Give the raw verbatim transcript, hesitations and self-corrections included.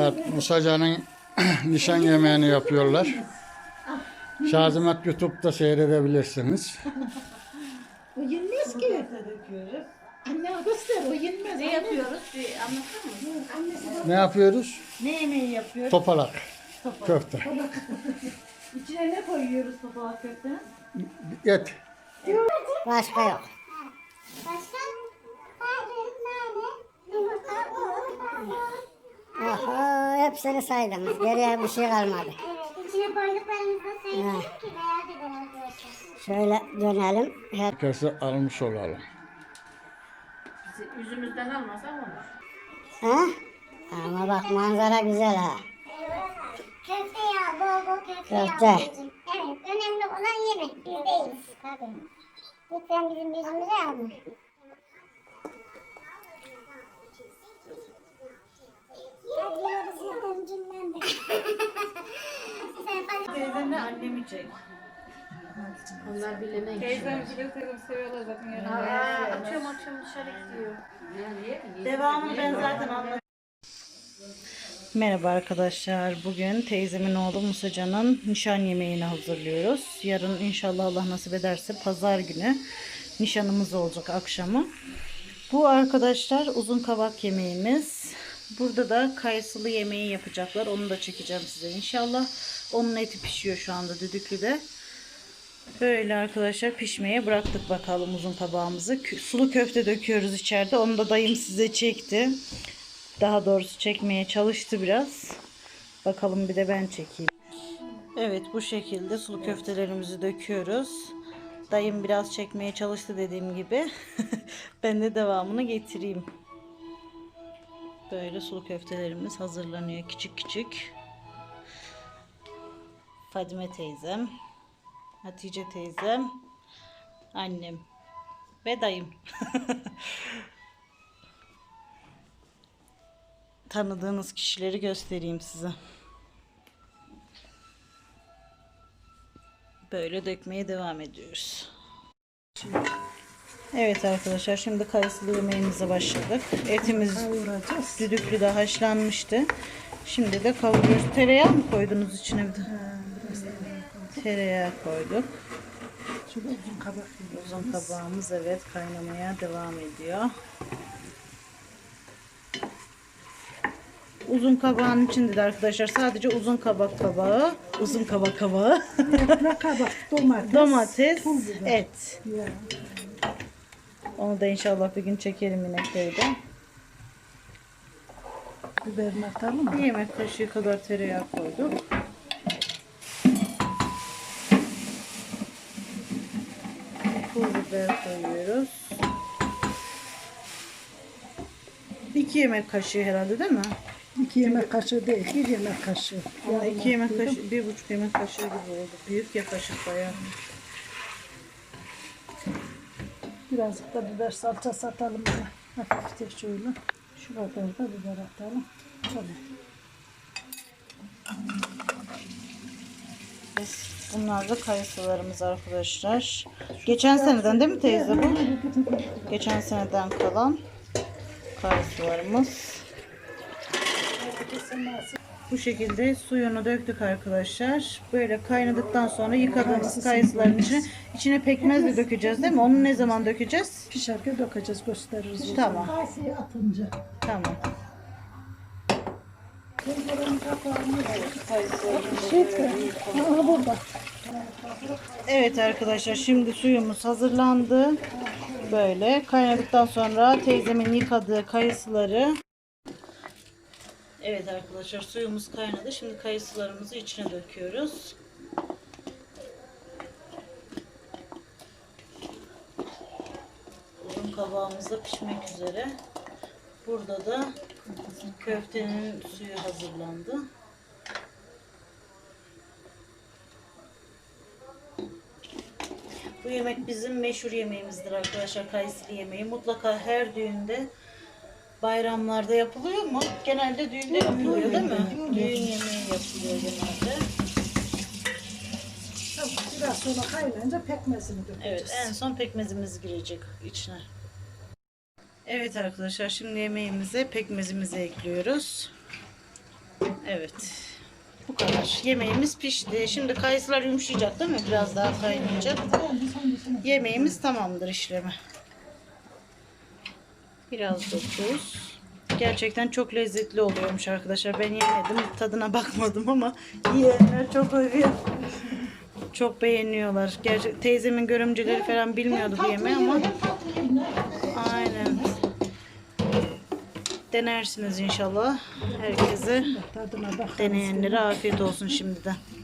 Evet, Musacan'ın nişan yemeğini yapıyorlar. Şazimet YouTube'da seyredebilirsiniz. O yenmez ki. Anne göster, o yenmez. Ne yapıyoruz? Bir anlatır mısın? Annesi Ne yapıyoruz? ne yemeği yapıyor? Topalak, köfte, İçine ne koyuyoruz topalak köftenin? et. Başka yok. Başka? Hayır, nane, yumurta, un, hamur. Oho, hepsini saydınız. Geriye bir şey kalmadı. Evet, içine koyduklarımızı da sayacağım ki merak eden arkadaşlar. Şöyle dönelim. Her... Herkesi almış olalım. Bizi yüzümüzden almasak olur. Ha? Ama bak manzara güzel ha. Köfte yağı, bol bol köfte yağı. Köfte. anneciğim. Evet, önemli olan yemek. Biz değiliz. Tabii. Lütfen bizim yüzümüze alma. Teyzemle annemi çek. Onlar bilemeyin. Teyzem biliyor, teyzem seviyorlar zaten. Yani. Aa, açıyorum açıyorum dışarı gidiyor. Devamını ben zaten anlattım. Merhaba arkadaşlar. Bugün teyzemin oğlu Musacan'ın nişan yemeğini hazırlıyoruz. Yarın inşallah Allah nasip ederse pazar günü nişanımız olacak akşamı. Bu arkadaşlar uzun kabak yemeğimiz. Burada da kayısılı yemeği yapacaklar. Onu da çekeceğim size inşallah. Onun eti pişiyor şu anda düdüklüde. Böyle arkadaşlar pişmeye bıraktık bakalım uzun kabağımızı. Sulu köfte döküyoruz içeride. Onu da dayım size çekti. Daha doğrusu çekmeye çalıştı biraz. Bakalım bir de ben çekeyim. Evet, bu şekilde sulu köftelerimizi döküyoruz. Dayım biraz çekmeye çalıştı dediğim gibi. Ben de devamını getireyim. Böyle sulu köftelerimiz hazırlanıyor küçük küçük. Fadime teyzem, Hatice teyzem, annem ve dayım. Tanıdığınız kişileri göstereyim size. Böyle dökmeye devam ediyoruz. Evet arkadaşlar, şimdi kayısılı yemeğimize başladık. Etimiz düdüklüde haşlanmıştı. Şimdi de kavuruyoruz. Tereyağı mı koydunuz içine bir de? Tereyağı koyduk. Uzun kabağımız evet kaynamaya devam ediyor. Uzun kabağın içinde de arkadaşlar sadece uzun kabak kabağı, uzun kabak kabağı, Kabak, domates, domates, pul biber. et. Ya. Onu da inşallah bir gün çekelim yine köyde. Biberini atalım mı? Bir yemek kaşığı kadar tereyağı koyduk. Pul biber koyuyoruz. İki yemek kaşığı herhalde değil mi? İki yemek kaşığı değil, bir yemek kaşığı. Ama iki yemek kaşığı, bir buçuk yemek kaşığı gibi oldu. Büyük ya kaşık bayağı. Birazcık da biber salçası atalım buna. Hafifçe şöyle. Şu kadar da biber atalım. Tamam. Bunlar da kayısılarımız arkadaşlar. Geçen seneden değil mi teyze bu? Geçen seneden kalan kayısılarımız. Bu şekilde suyunu döktük arkadaşlar. Böyle kaynadıktan sonra yıkadığımız kayısıların içine, içine pekmez de dökeceğiz değil mi? Onu ne zaman dökeceğiz? Pişerken dökeceğiz, gösteririz. Tamam. Kayısıyı atınca. Tamam. Aha burada. Evet arkadaşlar, şimdi suyumuz hazırlandı. Böyle kaynadıktan sonra teyzemin yıkadığı kayısıları. Evet arkadaşlar, suyumuz kaynadı. Şimdi kayısılarımızı içine döküyoruz. Uzun kabağımız da pişmek üzere. Burada da köftenin suyu hazırlandı. Bu yemek bizim meşhur yemeğimizdir arkadaşlar, kayısılı yemeği. Mutlaka her düğünde, bayramlarda yapılıyor mu? Genelde düğünde yapılıyor değil mi? Düğün yemeği yapılıyor genelde. Tamam, biraz sonra kaynayınca pekmezini dökeceğiz. Evet, en son pekmezimiz girecek içine. Evet arkadaşlar, şimdi yemeğimize pekmezimizi ekliyoruz. Evet. Bu kadar. Yemeğimiz pişti. Şimdi kayısılar yumuşayacak değil mi? Biraz daha kaynayacak. Yemeğimiz tamamdır işlemi. Biraz da tuz. Gerçekten çok lezzetli oluyormuş arkadaşlar. Ben yemedim. Tadına bakmadım ama yiyenler çok övüyor. Çok beğeniyorlar. Gerçek teyzemin görümceleri falan bilmiyordu bu yemeği ama aynen. Denersiniz inşallah. Herkese Tadına bak. deneyenlere afiyet olsun şimdiden.